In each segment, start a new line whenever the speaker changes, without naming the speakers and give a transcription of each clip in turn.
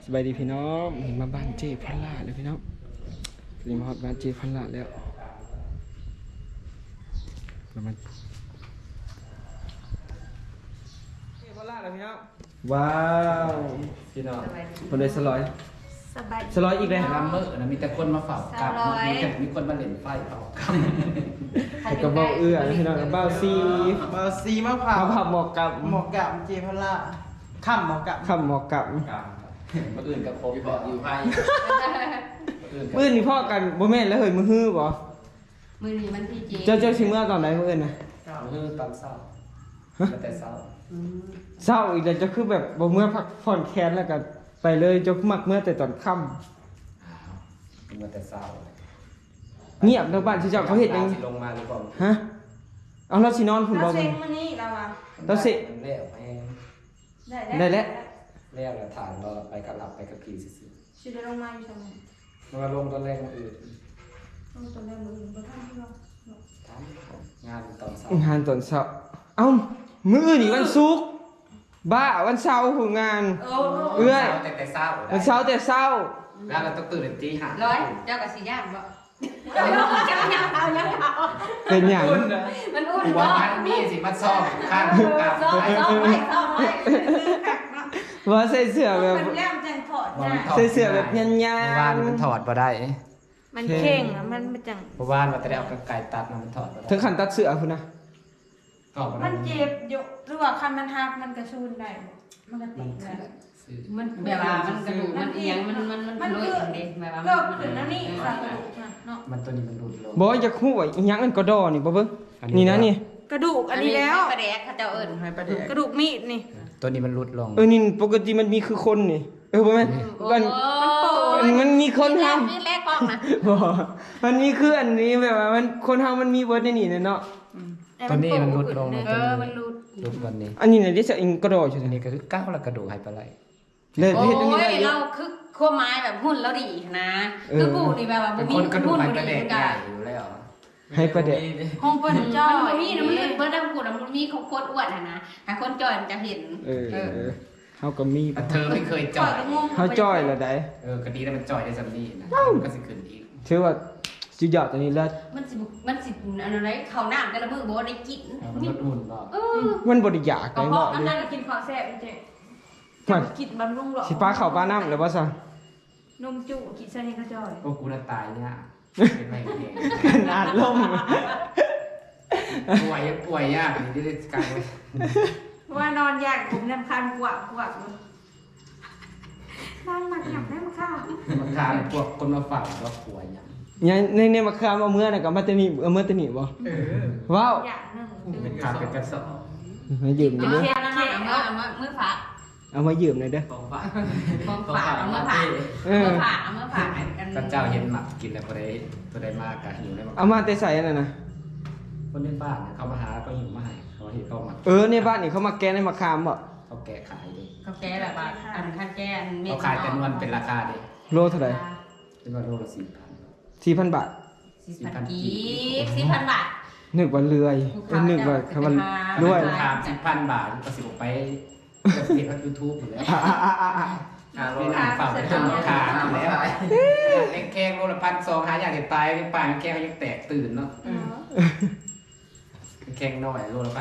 สบายดีพี่น้องมาบ้านเจพันลาเลยพี่น้องนี่มาฮอดบ้านเจพันลาแล้วมันเจพันลาเลยพี่น้องว้าวพี่น้องคนเลยสลอยสลอยอีกเลย
น้ำมือนะมีแต่คนมาเฝ้ากับมีคนมาเล่นไฟเฝ้ากับ
กระเบ้าเอื้อพี่น้องกระเบ้าซี
เบอร์ซีมะพร้าว
ผับหมอกกับ
หมอกกับเจพล่าค่ำหมอกกับ
ขับหมอกกับ
มาอื่นกับโควิดอยู่ไพ่
มื้อนี่พ่อกันบ่แม่นแล้วเฮ้ยมือฮื้อบ่
มือนี้มันที่จริง
เจ้าสิเมื่อตอนไหนมื้ออื่นน่ะ
มือตอนเศร้าแต่เศร้า
เศร้าอีกแล้วจะคือแบบบ่เมื่อพักผ่อนแค้นแล้วก็ไปเลยจะมักเมื่อแต่ตอนค่ำ
มาแต่เศร้า
เงียบแล้วบ้านที่เจ้าเขาเฮ็ดหยัง
ลงมาหรือเปล่า
ฮะเอาเราสินอนพุ่นบ่
เรา
มั
เซ็
น
งมันนี่เราอะ
เราสิ
เลี้ยวไป
ได้แล้ว
เลี้ยวแล้วฐานเราไปกับหลับไปกับผีซื่อ
ชิได้ลงมาอยู่ทำไม
ๆมาลงตอนแรกมาอื่น
ลงตัวแรกมืออื่นก็ทำที่เรา
งานตอนเศร้าง
านตอนเช้าเอ้ามื้ออื่นนี่วันศุกร์บ้าวันเสาร์ผู้งาน เอื้อย
แต่เศร้า
วันเสาร์แต่เช้า
แล้วเราต้องตื่นตีห้า
ร้อยเจ้ากับสีย่างบ่
เป็นหยัง
มันอุ่น
ว่า
บ่
มันมีสิมาซ่อมข้างกับ
ซ้อมไว้ซ้อมไว้
ว่าใส่เสื้อแบบ
มันแก้มจังถอดนะ
ใส่เสื้อแบบยัน
เมื่อวานมันถอดมาได้
มันเข่งอะมันจัง
เมื่อวานมันจะได้เอาไก่ตัดมันถอดมาได้
ถึงขั้นตัดเสื้อพุ่นนะ
ถอดมา
มั
ได้
นเจ็บอยู่หรือว่าคันมันหักมันกระชูนได้มันกระติกได้
มันแบบว่ามันกระดูกมันเอียงมันเลยเด็แบบว่า
ก็ขึ้นแล้วนี่ค่ะกระดูกน่ะเนาะ
มันตัวนี้มันรุดลง
บ่อยากฮู้ว่าอีหยังอันกระดอนี่บ่เบิ่งนี่นะนี่
กระดูกอันนี้แล้ว
กระแดกเขาเจ้าเอิ้น
ให้ประเด็น
กระดูกมีดนี่
ตัวนี้มันรุดลง
นี่ปกติมันมีคือคนนี่บ่แม่นมันมีคนเฮา
นี่แรกกล้องนะ
บ่มันมีคืออันนี้แบบว่ามันคนเฮามันมีเบิดในนี่เนาะ
ตัวนี้มันรุดลง
มันรูด
รุดวันนี้
อันนี้น่ะเดี๋ยวจะอิงกระดออยู่
อัน
นี่
นี้ก็คือก้าวละกระดูกหายไปไร
เลย
โอ้
เฮ็ดอันนี้ได้
ย
เย
เรา
อะ
คือขั้วไม้แบบหุ้นแล้วดีนะคือกูนี่แบบว่า
เป็น
มี
คนกระดูก
หุ้น
หาย
บ่
ไป
ดี
แดก
เหมือน
ให
กั
ญ่
น
อยู่แล้ว
ให้ประเดะ
ห้องเปิ้นจ้อ
มันมีนะมันเปิ้ลดำกูนะมันมีของคนอ้วนนะหาคนจอยมันจะเห็น
เฮาก็มี
เธอไม่เคย
จ่
จ่
อ
อย ย
ก็งง
เฮาจ้อยแล้วได้
คดีนั้นมันจ่อยได้สำนีนะมันก็สิขึ้นอีก
ถือว่าสุดยอดตัวนี้แล้ว
มันสิอะไรเขาน้ำแต่ละมือบ่ได้กิน
มันลดหุ่นบ่
มันบ่ได้อยาก
ก็
ได้
เพราะ
เนาะ
อัน
ดิ
นั้น
กินข้าวแซ่บเจ๊
มัน
กินบำรุงหรอ
สิป้าเข้าป้าน้ำแล้วบ่ซะ
นมจุกินซะนี่ก็จ่อย
พวกกูน่ะตายเนี่ยเป็นไม่เอง
ขนาดล่ม
ป่วยยากนี่ได้กลายเป็น
ว่านอนยากผมน้ำคันกวักนั่งมาหยับได้มาข้าว
มันทานพวกคนมาฝากก็ป่วยอย่าง
เนี่ยในมะขามเอาเมื่อน่ะก็มาแตนี่เอาเมื่อแตนี่บ่ว้าว
อยากนั่ง
มันทานเป็นกระสอบ
มายืมหน่อยเด้อ
เอามือฝาก
เอามายืมหน่อยเด้อ
ของฝาก
ของฝากเอามือฝาก
เออ
เอามือฝากกัน
พระเจ้าเห็นหมักกินแล้วก็ได้มากกะหิวได้มา
เอามาแต่ใส่อันนั้นน่ะ
คนในบ้านเขามาหาก็หิวมาให้เขาเห็นเขาหมัก
ในบ้านนี่เขามาแกะในมะขามบ่
เขาแกะขายดิ
เขาแก้แบบว่าอันท่านแก้อัน
เขาขายแต่นวลเป็นราคาดิ
โลเท่าไหร่
เป็นว่าโลละ
4,000 บาท
4,000 กีบ4,000 บาท
นึกว่าเลื่อยนึกว่าคำว่าร วย
ถาม10,000 บาทก็สิบไปเห็นว่ายูทูบอยู่แล้วเป็นฝากเป็นราคาแล้วแกงโลละ1,200หาอย่างเด็ดตายเป็นป่าแกงยังแตกตื่นเนาะแกงน้อยโลละ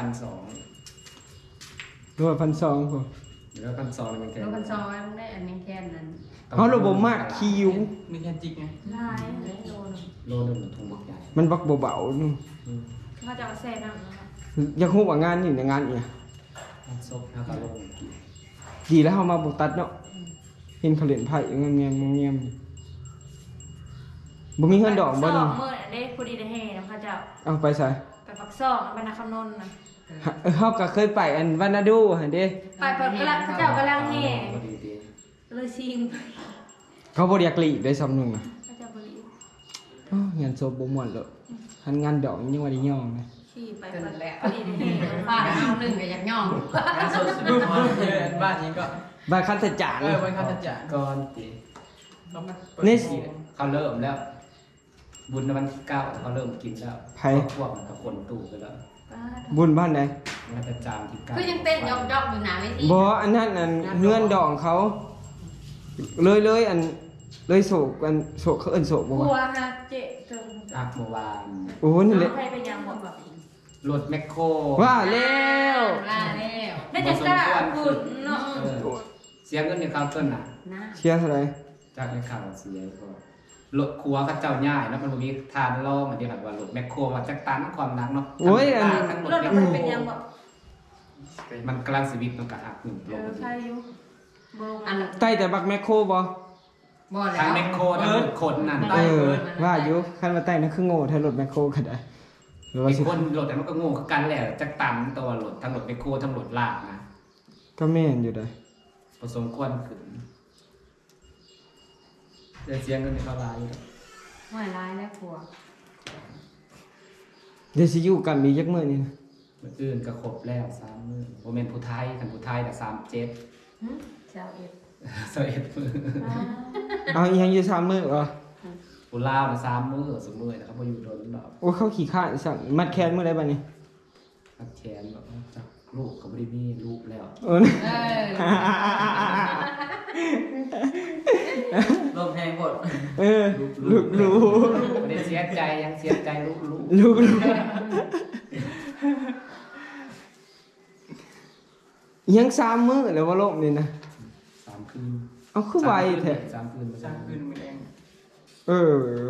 1,200
รวย1,200พอ
หรือว่า1,200มันแกง
โลกันซอยมันได้อันนี้แค่นั้น
เอาระบบมากคิว
มีแค่จิกไง
ลายโดน
โลนึงมันถุงบักใหญ่
มันบักเบาๆนึง
เขาจะเอาแซ่น้ำนะคะ
อยากฮู้ว่างานนี่ในงานเนี่ย
มันซบแล้วก็ลง
ดีแล้วเฮามาบ่ตัดเนาะเห็นเขาเล่นไพ่เงียบบ่มีเงินดอกบ่
นี่
นี่
เมื่อได้พอดีได้แห่นะพระเจ้า
เอาไปใส่
ไปปักซอกบรรณาคำนนท์นะ
เฮาก็เคยไปอันวานาดูหั่นเด้
ไปเปิดกระลังพระเจ้ากำลังแห่
พอดีดี
เลยซิง
เขาบ่อยากหลีกได้ซ้ำนึงน่ะ
พระเจ้าบริ
งานโซบ่ม่วนเลยหันงานดอกยังว่าได้ย่องนะ
ขี่ไป
เกิ
เปิ
น
ด
แล้ว
พอดีได้แห่
ฟาดเอาหนึ่งก็อยากย่อง
บึ้มบ้านนี้ก็
บ้านคันทจาน
วันข้าจะ
ก่อนตี
นี่
เขาเริ่มแล้ว บุญวันที่9เขาเริ่มกินแล้วพวกมันกับคนตู้ไปแล้ว
บุญบ้านไหน
มันจะจามที่9
คือยังเต้นยอกๆอยู่หนาเวที
บ่อันนั้นเงื่อนดองเขาเลยอันเลยโศกอันโศกเขาเอิ้นโศกบ่
กลัว
วะ
ฮะเจ๊เติม
อักเมื่อวาน
โอ้นี่แหละ
ใครไปยังบอกแบบ
รถแมคโคร
ว่าแล้ว
ล่าแล้ว
น่าจะกล้าพูดเนาะ
เออเสียเงินในเคาน์เตอร์น่ะ
นะ
เชียร์เท่าไหร่
จากในข่าวเสียก็รถครัวเขาเจ้าย่ายเนาะมันบ่มีทานรองอันนี้แบบว่ารถแมคโครว่าจักตันความหนักเนาะ
โอ้ยอัน
ทั้งรถ
รถ
แมค
มัน
โคร
เป็นยังบอก
มันกำลังชีวิตมันก็หักหนึ่งล
เอง อใช่อยู่บลง
อัน
ใต้แต่บักแมคโครบ่
บ่แล้ว
ทั้งแมคโครทั้งรถคนนั่น
เออว่าอยู่คันว่าใต้นั่นคือโง่ถ้ารถแมคโครก็ได้หรือว่า
ไอ้
สิ
คนรถแต่มันก็โง่คือกันแหละจักตันตัวรถทั้งรถแมคโครทั้งรถลากนะ
ก็แม่นอยู่ได้
ผสมควรขึ้นจะเสียเงินในเขาลายอยู่
ไม่ร้ายแล้วกลัว
เดี๋ยวสิอยู่กันมีจักมื้อนี่นะ
มื้ออื่นก็ครบแล้ว3มื้อบ่แม่นผู้ไทยคันผู้ไทยน่ะ37
เจ้าเอ็ด
21มื้อ
เอาอีหยังอยู่3มื้อบ่
ผู้ลาวน่ะ3มื้อสมมื้อน่ะเขาบ่อยู่โดนดอก
โอ้เขาขี้ข้านสั่งมัดแขนมื้อใดบัดนี้
ทักแขนแบบว่าจักลูกก็บ่ได้มีลูกแล้ว
เออ
เออ
ลมแห้งหมด
เออลูกรู้
บ่ได้เสียใจยังเสียใจลูก
ลูกยัง3มื้อแล้วว่าโลกนี่นะ
3คืน
เอาคือไวแท้
3คืนบ่
สร้างขึ้นไม่แรง
เออ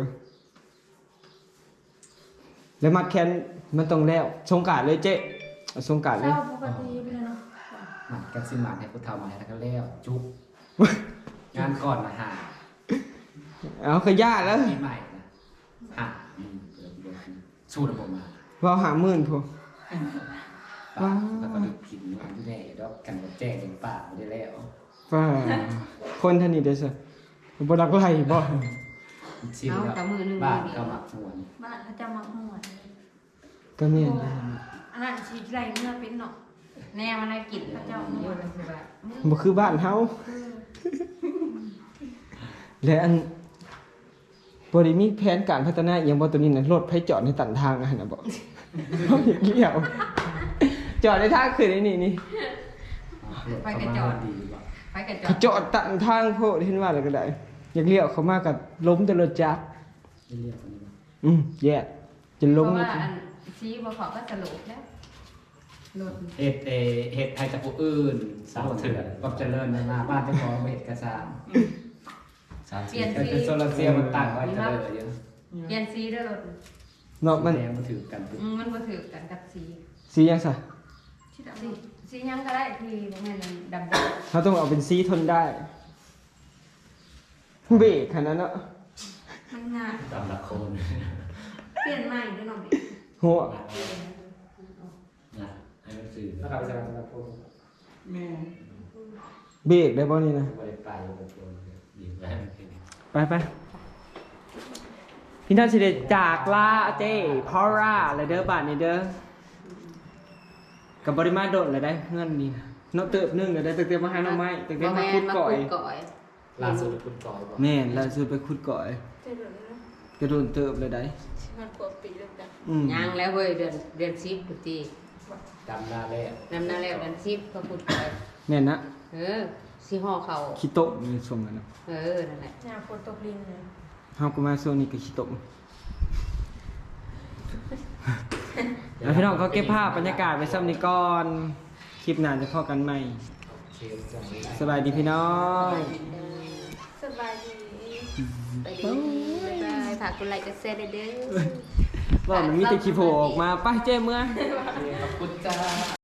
แล้วมัดแขนมันต้องแล้วสงกรานต์เลยเจ๊เอาสงกรานต์
เศ
เลย
ร้าปกติไปเลยเนาะ
มันกันสิมาให้ผู้เฒ่ามาให้แล้วก็แล้วจุ๊บงานก่อนนะหา
เอาขยะแล้ว
ปีใหม่นะหาสู้ระบบมา
ว่า50,000พุ่น
ป่าแล้วก็กินมันอยู่แน่ดอกกันบ่แจ้งจังป่าบ่ได้แล้ว
ว่าคนท่านนี้เด้อซะบ่รักไล่บ่
ชิมแล้วบ้านก็มักม่วน
บ้านเขาจะมาหัว
ก็แม่น
อันนั้นชีไรเมื่อเป็นเนาะ
แน่มันได้กลิ่นพระเจ้าอยู่ในคือแบบ
บ่คือบ้านเฮาและอันบ่ได้มีแผนการพัฒนาอีหยังบ่ตัวนี้น่ะรถไผจอดในตันทางอะหั่นน่ะบ่เฮาอยากเลี้ยวจอดในทางขึ้นไอ้นี่
ไปกระจอดดีบ่
ไปกระจ
เขาจอดตันทางโพดเห็นว่าแล้วก็ได้ อยากเลี้ยวเข้ามาก็ล้มแต่รถจักร
ได้เรียกคนนี้บ่
แย่จะ
เพ
ล้ม
ราะ
นี่
ว่าอันชี้บ่ขอก็สรุปแล้วรถ
เฮ็ดให้กับผู้อื่นสาวเถื่อนก็เจริญมาบ้านเจ้าของเฮ็ดกระซาม
เปลี่ยน
แต่
สี
โซลาร์เซลล์มันตั้งไว้เจริญเยอะ
เปลี่ยนสีด้วยรถ
เนาะมัน
แดงมันถือกันปุ๊บ
มันบ่ถือกันกับสี
สียังซะ
สียังก็ได้ที่บ่แม่นดำ
เขาต้องเอาเป็นสีทนได้เบรกขนาดนั้นเนาะ
มันงาน
ตามหลักโคน
เปลี่ยนใหม่ด้วยเนาะ
หัว
นะให้มันสื่อ
แล้วก็ไปใส่กระโปรง
แม่
เบรกได้บ่นี่นะ
บริปลายกระโคนดีแม่ให้มันเป็น
ไปพี่ท่านสิเดจากลาเจ้พอร่าเลยเด้อบ้านนี่เด้อกับบริมาโดดเลยได้เงินนี่นะเนาะเติบนึงเลยได้เติบมาหาหน่อไม้เติบ
บ่
มา
แม่
ขุ
น
ด
มา
ก่อย
ขุดก่อย
ล่าสุดคุณกอยบอก
แม่นล่าสุดไปขุดก่อย
เจ๊เดี๋ยวนี้เนาะ
กระโดนเติบเลยได้
มันกว่าปีแล้วจ้ะ
ยังแล้วเว้ยเดือน10พุทธิ
ดำหน้าแล้ว
นำหน้าแล้วเดือน10ก็ขุดก่อย
แม่นนะ
สิห่อเขา
ขี้โต๊ะมีส่งกันเนาะ
นั่นแหละ
เนี่ยฝนตกลิงเลย
เฮาก็มาช่วงนี้ก็ขี้โต๊ะแล้วพี่น้องเขาเก็บภาพบรรยากาศไว้ซ้ำนี้ก่อนคลิปหน้าจะพอกันใหม่
เชฟจังเลย
สบายดีพี่น้อง
สบายดี
ไปดีบ๊ายบายฝากกดไลค์กดแชร์ด้วยเด้อ
ว่ามันมีแต่ขี้โผล่ออกมาไปเจ้เมื่อ
ขอบคุณจ้า